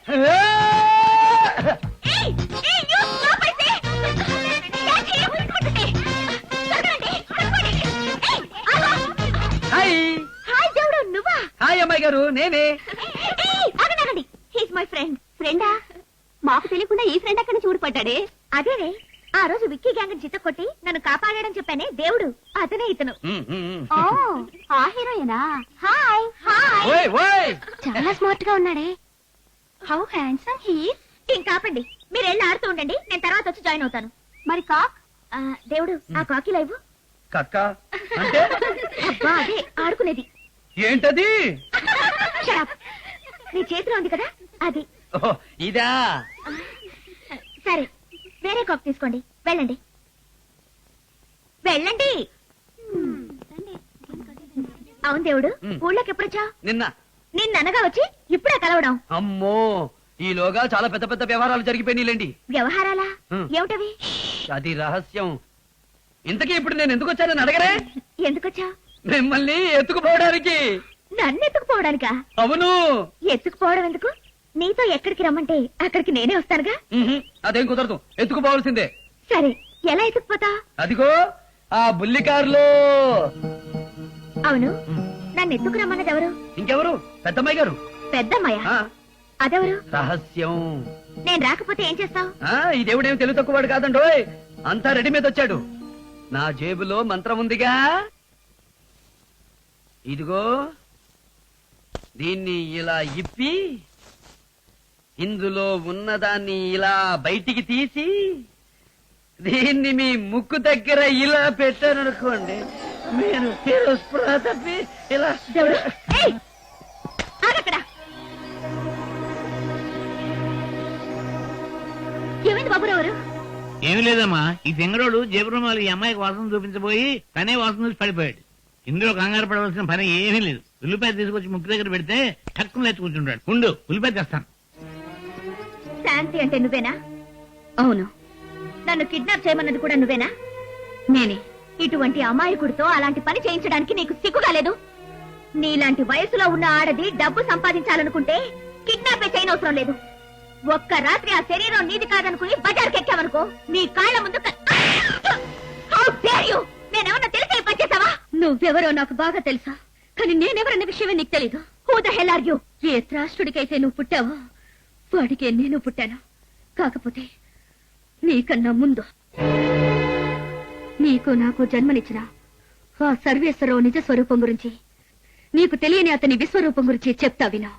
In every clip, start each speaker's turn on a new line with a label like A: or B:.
A: Hi అమ్మాయి గారు, నేనే.
B: My friend. ఫ్రెండా? మాకు తెలియకుండా ఈ ఫ్రెండ్ అక్కడ చూడపడ్డాడే. అదేనే ఆ రోజు విక్కీ గ్యాంగ్ చిత్త కొట్టి నన్ను కాపాడాడని చెప్పానే దేవుడు, అతనే ఇతను. ఆ హీరోయేనా? Hi hi. చాలా స్మార్ట్ గా ఉన్నాడే. How handsome he. ఇంకాపండి, మీరు వెళ్ళి ఆడుతూ ఉండండి, నేను తర్వాత వచ్చి జాయిన్ అవుతాను. మరి కాక్? దేవుడు, ఆ కాకి లైవ్.
A: కక్క అంటే?
B: అబ్బా అదే ఆడుకునేది.
A: ఏంటది?
B: నీ చేతిలో ఉంది కదా అది.
A: ఇదా?
B: సరే, వేరే కాక్ తీసుకోండి. వెళ్ళండి వెళ్ళండి. అవును దేవుడు, ఊళ్ళోకి ఎప్పుడొచ్చా? నిన్ననగా వచ్చి ఇప్పుడే కలవడం.
A: అమ్మో, ఈలోగా చాలా పెద్ద పెద్ద వ్యవహారాలు జరిగిపోయినాయిలేండి.
B: వ్యవహారాలా? ఏమిటవి?
A: అది రహస్యం. ఇంతకీ ఇప్పుడు నేను ఎందుకు వచ్చానని అడగరే?
B: ఎందుకొచ్చా?
A: మిమ్మల్ని ఎత్తుకుపోవడానికి.
B: నన్ను ఎత్తుకుపోవడానికా?
A: అవును.
B: ఎత్తుకుపోవడం ఎందుకు? నీతో ఎక్కడికి రమ్మంటే అక్కడికి నేనే వస్తానుగా.
A: అదేం కుదరదు, ఎత్తుకుపోవాల్సిందే.
B: సరే, ఎలా ఎత్తుకుపోతా?
A: అదిగో ఆ బుల్లి కారులో.
B: అవును, నన్ను ఎత్తుకు రమ్మన్నది ఎవరు?
A: ఇంకెవరు? పెద్దమ్మాయి గారు.
B: పెద్దమ్మాయ? అదెవరు?
A: రహస్యం.
B: నేను రాకపోతే ఏం చేస్తావు?
A: ఈ దేవుడేమి తెలుగు తక్కువవాడు కాదండోయ్, అంతా రెడీ మీద వచ్చాడు. నా జేబులో మంత్రం ఉందిగా, ఇదిగో దీన్ని ఇలా ఇప్పి ఇందులో ఉన్నదాన్ని ఇలా బయటికి తీసి దీన్ని మీ ముక్కు దగ్గర ఇలా పెట్టారనుకోండి, మీరు స్పృహ తప్పి ఇలా.
B: ఏమైంది బాబురావు?
C: ఏమి లేదమ్మా, ఈ తెంగరోడు జేబురుమాలు ఈ అమ్మాయికి వాసన చూపించబోయి తనే వాసన చూసి పడిపోయాడు. ఇందులో కంగారు పడవలసిన పని ఏమీ లేదు. ఉల్లిపాయ తీసుకొచ్చి ముక్కు దగ్గర పెడితే టక్కున లేచి కూర్చుంటాడు. ఉండు, ఉల్లిపాయ తెస్తాను.
B: శాంతి అంటే నువ్వేనా? అవును. నన్ను కిడ్నాప్ చేయమన్నది కూడా నువ్వేనా? నేనే. ఇటువంటి అమాయకుడితో అలాంటి పని చేయించడానికి నీకు సిగ్గుగా లేదు? నీలాంటి వయసులో ఉన్న ఆడది డబ్బు సంపాదించాలనుకుంటే కిడ్నాపే చేయనవసరం లేదు. ఒక్క రాత్రి ఆ శరీరం నీది కాదనుకుని బజార్కి ఎక్కావనుకో, నీ కాళ్ల ముందు. నేనేమన్నా తెలిసే పనిచేసావా? నువ్వెవరో నాకు బాగా తెలుసా, కానీ నేనెవరన్న విషయమే నీకు తెలీదు. Who the hell are you? ఏ త్రాష్టుడికైతే నువ్వు పుట్టావో వాడికే నేను పుట్టాను. కాకపోతే నీకన్నా ముందు నీకు నాకు జన్మనిచ్చిన ఆ సర్వేశ్వరరావు నిజ స్వరూపం గురించి, నీకు తెలియని అతని విశ్వరూపం గురించి చెప్తా విను.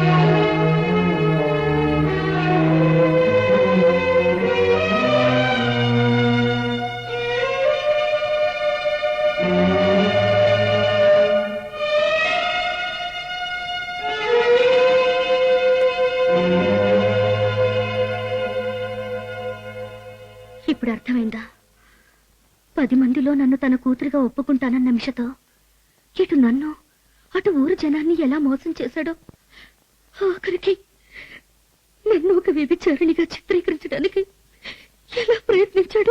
B: ఇప్పుడు అర్థమైందా? 10 మందిలో నన్ను తన కూతురుగా ఒప్పుకుంటానన్న మిషతో ఇటు నన్ను అటు ఊరు జనాన్ని ఎలా మోసం చేశాడో, ఆఖరికి నన్ను ఒక వ్యభిచారిణిగా చిత్రీకరించడానికి ఎలా ప్రయత్నించాడు.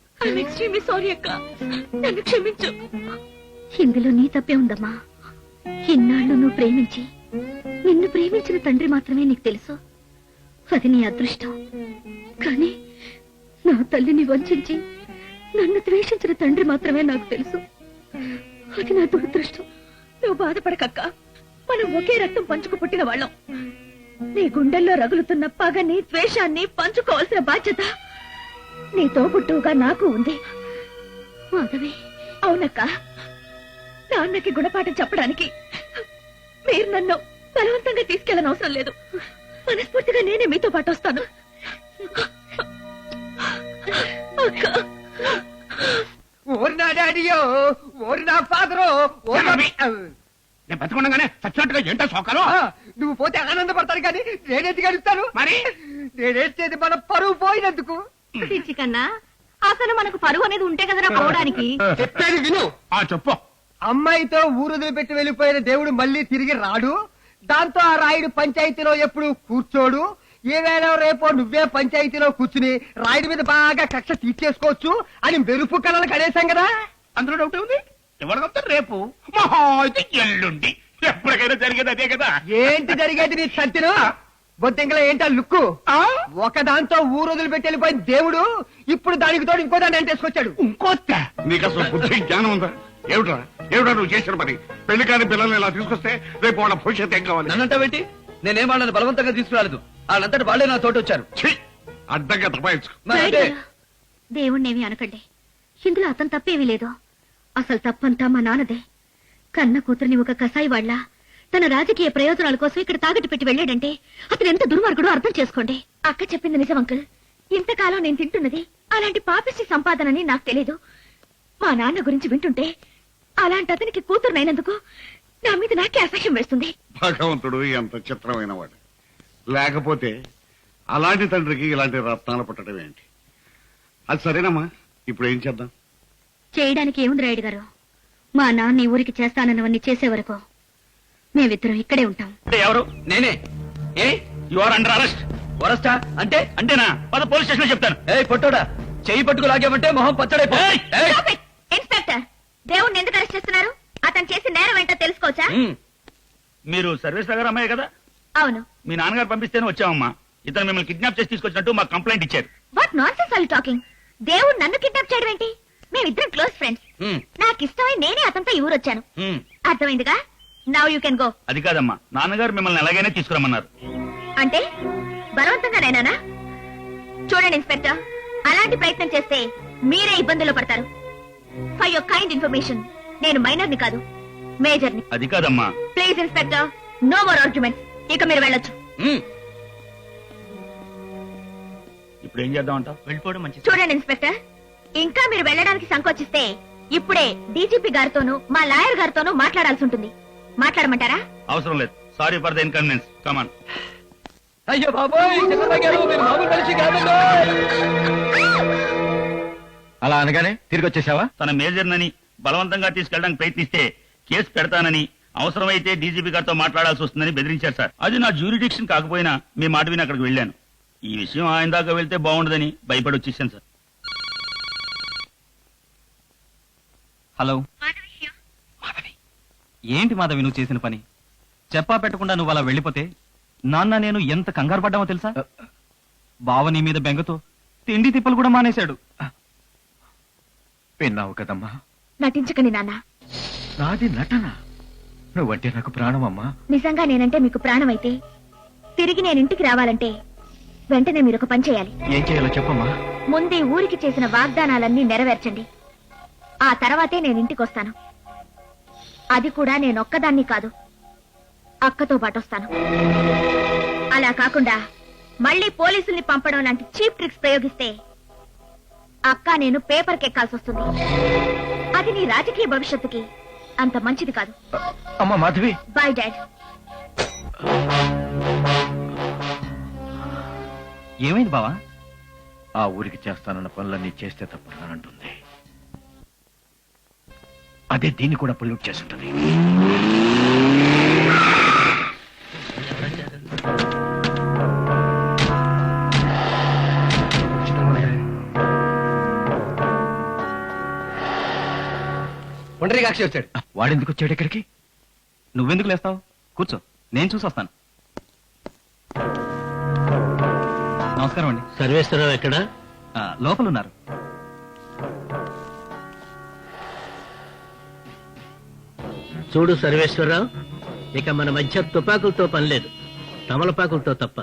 B: నన్ను క్షమించు. ఇందులో నీ తప్పే ఉందమ్మా. ఇన్నాళ్ళు నువ్వు ప్రేమించి నిన్ను ప్రేమించిన తండ్రి మాత్రమే నీకు తెలుసు. అది నీ అదృష్టం. కానీ నా తల్లిని వంచించి నన్ను ద్వేషించిన తండ్రి మాత్రమే నాకు తెలుసు. అది నా దురదృష్టం. నువ్వు బాధపడకక్క, మనం ఒకే రక్తం పంచుకు పుట్టిన వాళ్ళం. నీ గుండెల్లో రగులుతున్న పగని ద్వేషాన్ని పంచుకోవాల్సిన బాధ్యత నీ తోబుట్టువుగా నాకు ఉంది. మాధవి. అవునక్క, నాన్నకి గుణపాఠం చెప్పడానికి మీరు నన్ను బలవంతంగా తీసుకెళ్ళని అవసరం లేదు. మనస్ఫూర్తిగా నేనే మీతో పాటు వస్తాను.
A: ఓరి నా డాడీయో, ఓరి నా ఫాదరో.
C: నేను బతకుండగానే చచ్చినట్టుగా ఏంటో సోకాలు.
A: నువ్వు పోతే ఆనందపడతాను కానీ నేనేది గడుస్తాను.
C: మరి
A: నేనేది మన పరువు పోయినందుకు.
B: కన్నా అసలు మనకు పరువు అనేది ఉంటే కదరా పోవడానికి.
A: చెప్పేది విను.
C: చెప్పు.
A: అమ్మాయితో ఊరుదులు పెట్టి వెళ్ళిపోయిన దేవుడు మళ్ళీ తిరిగి రాడు. దాంతో ఆ రాయుడు పంచాయతీలో ఎప్పుడు కూర్చోడు. ఏవేళ రేపో నువ్వే పంచాయతీలో కూర్చుని రాయుడి మీద బాగా కక్ష తీర్చేసుకోవచ్చు అని మెరుపు కళలు కడేశాం కదా.
C: అందులో డౌట్ ఉంది. ఎవరికొస్తా రేపు మహా అయితే ఎల్లుండి ఎప్పటికైనా జరిగేది అదే కదా.
A: ఏంటి జరిగేది నీ సత్యను? బొద్దింకలో ఏంటా లుక్కు ఒక దాంతో ఊరు వదిలిపెట్టి వెళ్ళిపోయిన దేవుడు ఇప్పుడు దానికి తోడు ఇంకో దాన్ని అంటేసుకొచ్చాడు.
D: నీకు అసలు బుద్ధి జ్ఞానం ఉందా? ఏమిట్రా ఏమిట్రా నువ్వు చేసిన పని? పెళ్లి కాని పిల్లల్ని ఇలా తీసుకొస్తే రేపు వాళ్ళ భవిష్యత్తు ఏం కావాలి?
E: నన్నంటావేంటి? నేనేం వాళ్ళని బలవంతంగా తీసుకురాలేదు. వాళ్ళంతటి వాళ్ళే నా తోటి వచ్చారు.
D: ఛీ! అడ్డంగా తపాయించుకో.
B: రాయుడు గారు, దేవుణ్ణేమి అనకండి. ఇందులో అతను తప్పేమీ లేదు. అసలు తప్పంతా మా నాన్నదే. కన్న కూతురిని ఒక కసాయి వాళ్ళ తన రాజకీయ ప్రయోజనాల కోసం ఇక్కడ తాగట్టు పెట్టి వెళ్ళాడంటే అతను ఎంత దుర్మార్గుడో అర్థం చేసుకోండి. అక్క చెప్పింది నిజం అంకుల్. ఇంతకాలం నేను తింటున్నది అలాంటి పాపిష్టి సంపాదనని నాకు తెలీదు. మా నాన్న గురించి వింటుంటే అలాంటి అతనికి కూతురునైనందుకు నా మీద నాకే అసహ్యం వేస్తుంది.
D: భగవంతుడు ఎంత చిత్రమైన వాడు. లేకపోతే అలాంటి తండ్రికి ఇలాంటి రత్నాలు పుట్టడం ఏంటి? అది సరేనమ్మా, ఇప్పుడు ఏం చేద్దాం?
B: చేయడానికి ఏముంది రాయుడు గారు? మా నాన్న ఈ ఊరికి చేస్తానన్నవన్నీ చేసే వరకు మేమిద్దరం ఇక్కడే ఉంటాం.
E: ఎవరు? నేనే. ఏ
C: యు ఆర్ అండర్ అరెస్ట్.
E: వరస్టా అంటే?
C: అంటేనా? పద పోలీస్ స్టేషన్ లో చెప్తాను.
E: ఏ పొట్టోడా, చెయ్యి పట్టుకు లాగామంటే మొహం పచ్చడైపో. ఏయ్!
B: Stop it! ఇన్స్పెక్టర్, దేవుణ్ణి ఎందుకు అరెస్ట్ చేస్తున్నారు? అతను చేసిన నేరం ఏంటో తెలుసుకోవచ్చా?
C: మీరు సర్వేశ్వర గారు అమ్మాయి కదా?
B: అవును.
C: మీ నాన్నగారు పంపిస్తేనే వచ్చామమ్మా. ఇతను మిమ్మల్ని కిడ్నాప్ చేసి తీసుకొచ్చినట్టు మాకు కంప్లైంట్ ఇచ్చారు.
B: What nonsense are you talking? దేవుడు నన్ను కిడ్నాప్ చేయడం ఏంటి? మేమిద్దరం క్లోజ్ ఫ్రెండ్స్. నాకు ఇష్టమై నేనే అతనితో ఈ ఊరు వచ్చాను. అర్థమైందిగా? Now you can go.
C: అది కాదమ్మా, నాన్నగారు మిమ్మల్ని ఎలాగైనా తీసుకురమ్మన్నారు.
B: అంటే బలవంతంగా నేనా? చూడండి ఇన్స్పెక్టర్, అలాంటి ప్రయత్నం చేస్తే మీరే ఇబ్బందుల్లో పడతారు. ఫర్ యువర్ కైండ్ ఇన్ఫర్మేషన్, నేను మైనర్ని కాదు, మేజర్ని.
C: అది కాదమ్మా.
B: Please inspector, no more arguments. ఇక మీరు వెళ్ళొచ్చు.
C: ఇప్పుడు ఏం చేద్దాం అంటావు? వెళ్ళిపోవడం మంచిది.
B: చూడండి ఇన్స్పెక్టర్, ఇంకా మీరు వెళ్ళడానికి సంకోచిస్తే ఇప్పుడే డీజీపీ గారితోనూ మా లాయర్ గారితోనూ మాట్లాడాల్సి ఉంటుంది. మాట్లాడమంటారా?
C: అవసరం లేదు. Sorry for the inconvenience. Come on.
E: అయ్యో బాబోయ్, చంద్రబాబు గారు, మీరు మామూలు మనిషి కాదండి.
F: అలా అనగానే తిరిగి వచ్చేసావా?
C: తన మేజర్నని బలవంతంగా తీసుకెళ్ళడానికి ప్రయత్నిస్తే కేసు పెడతానని, అవసరమైతే డీజీపీ గారితో మాట్లాడాల్సి వస్తుందని బెదిరించారు సార్. అది నా జ్యూరిడిక్షన్ కాకపోయినా మీ మాట విని అక్కడికి వెళ్ళాను. ఈ విషయం ఆయన దాకా వెళ్తే బాగుండదని భయపడి వచ్చేసాను సార్.
F: హలో మాధవి, ఏంటి మాధవి నువ్వు చేసిన పని? చెప్పా పెట్టకుండా నువ్వు అలా వెళ్ళిపోతే నాన్న నేను ఎంత కంగారు పడ్డామో తెలుసా? బావ నీ మీద బెంగతో తిండి తిప్పలు కూడా మానేశాడు. విన్నావు కదమ్మా?
B: నటించకండి నాన్న.
F: నాది నటన. నువ్వంటే నాకు ప్రాణమమ్మా.
B: నిజంగా నేనంటే మీకు ప్రాణం అయితే తిరిగి నేను ఇంటికి రావాలంటే వెంటనే మీరు ఒక పని చేయాలి.
F: ఏం చేయాలో చెప్పమ్మా.
B: ముందే ఊరికి చేసిన వాగ్దానాలన్నీ నెరవేర్చండి. ఆ తర్వాతే నేను ఇంటికి వస్తాను. అది కూడా నేనొక్కదాన్ని కాదు, అక్కతో పాటు వస్తాను. అలా కాకుండా మళ్ళీ పోలీసుల్ని పంపడం లాంటి చీప్ ట్రిక్స్ ప్రయోగిస్తే అక్క నేను పేపర్కి ఎక్కాల్సి వస్తుంది. అది నీ రాజకీయ భవిష్యత్తుకి అంత మంచిది కాదు.
F: అమ్మా మాధవి.
B: By dad.
F: ఏమైంది బావా? ఆ ఊరికి చేస్తానన్న పనులన్నీ చేస్తే తప్పుతానంటుంది. అదే దీన్ని కూడా పొల్యూట్ చేస్తుంటది.
E: ఒంటరిగాక్షి వచ్చాడు.
F: వాడెందుకు వచ్చాడు ఇక్కడికి? నువ్వెందుకు లేస్తావు? కూర్చో, నేను చూసి వస్తాను. నమస్కారం అండి.
C: సర్వేశ్వరరావు ఎక్కడ?
F: లోపల ఉన్నారు.
G: చూడు సర్వేశ్వరరావు, ఇక మన మధ్య తుపాకులతో పని లేదు, తమలపాకులతో తప్ప.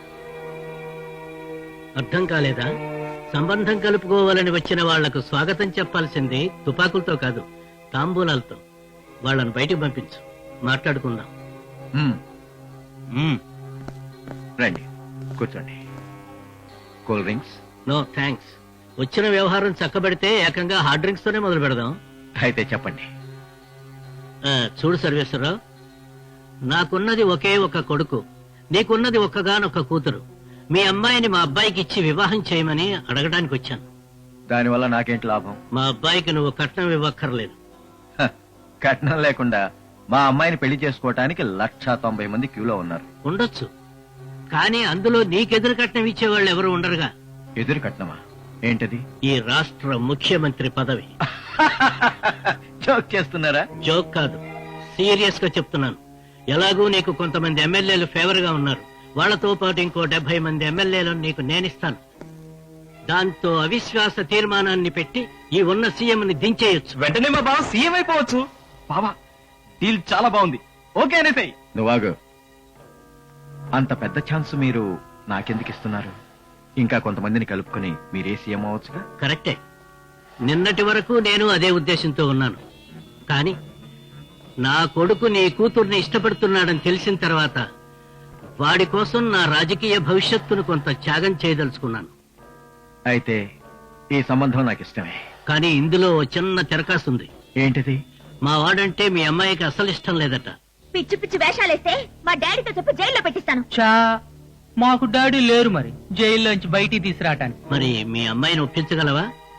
G: అర్థం కాలేదా? సంబంధం కలుపుకోవాలని వచ్చిన వాళ్లకు స్వాగతం చెప్పాల్సింది తుపాకులతో కాదు, తాంబూలాలతో. వాళ్ళని బయటికి పంపించు, మాట్లాడుకుందాం.
F: రండి, కూర్చోండి. Cool drinks?
G: No thanks. వచ్చిన వ్యవహారం చక్కబెడితే ఏకంగా హార్డ్ డ్రింక్స్ తోనే మొదలు పెడదాం.
F: అయితే చెప్పండి.
G: చూడు సర్వేశ్వరరావు, నాకున్నది ఒకే ఒక కొడుకు, నీకున్నది ఒక్కగానొక్క కూతురు. మీ అమ్మాయిని మా అబ్బాయికి ఇచ్చి వివాహం చేయమని అడగడానికి వచ్చాను.
F: దానివల్ల నాకేంటి లాభం?
G: మా అబ్బాయికి నువ్వు కట్నం ఇవ్వక్కర్లేదు.
F: కట్నం లేకుండా మా అమ్మాయిని పెళ్లి చేసుకోవటానికి 190 మంది క్యూలో ఉన్నారు.
G: ఉండొచ్చు, కానీ అందులో నీకెదురు కట్నం ఇచ్చేవాళ్ళు ఎవరు ఉండరుగా.
F: ఎదురు కట్నమా? ఏంటది?
G: ఈ రాష్ట్ర ముఖ్యమంత్రి పదవి.
F: జోక్ చేస్తున్నారా?
G: జోక్ కాదు, సీరియస్ గా చెప్తున్నాను. ఎలాగూ నీకు కొంతమంది ఎమ్మెల్యేలు ఫేవర్ గా ఉన్నారు, వాళ్ళతో పాటు ఇంకో 70 మంది ఎమ్మెల్యేలను నీకు నేనిస్తాను. దాంతో అవిశ్వాస తీర్మానాన్ని పెట్టి ఈ ఉన్న సీఎంని దించేయొచ్చు.
F: వెంటనే మా బావ సీఎం అయిపోవచ్చు. బావా డీల్ చాలా బాగుంది, ఓకే అనేసాయి.
H: నువ్వాగు. అంత పెద్ద ఛాన్స్ మీరు నాకెందుకు ఇస్తున్నారు? ఇంకా కొంతమందిని కలుపుకొని మీరే సీఎం అవ్వచ్చుగా.
G: కరెక్టే, నిన్నటి వరకు నేను అదే ఉద్దేశంతో ఉన్నాను. కానీ నా కొడుకు నీ కూతుర్ని ఇష్టపడుతున్నాడని తెలిసిన తర్వాత వాడి కోసం నా రాజకీయ భవిష్యత్తును కొంత త్యాగం చేయదలుచుకున్నాను.
H: అయితే ఈ సంబంధం నాకు ఇష్టమే.
G: కానీ ఇందులో ఓ చిన్న తెరకాసుంది.
H: ఏంటిది?
G: మా వాడంటే మీ అమ్మాయికి అసలు ఇష్టం లేదట.
B: పిచ్చి పిచ్చి వేషాలేస్తే మా డాడీతో చెప్పి జైల్లో పెట్టిస్తాను.
I: చా మాకు డాడీ లేరు మరి జైల్లోంచి బయటికి తీసుకురావటానికి.
G: మరి మీ అమ్మాయిని ఒప్పించగలవా?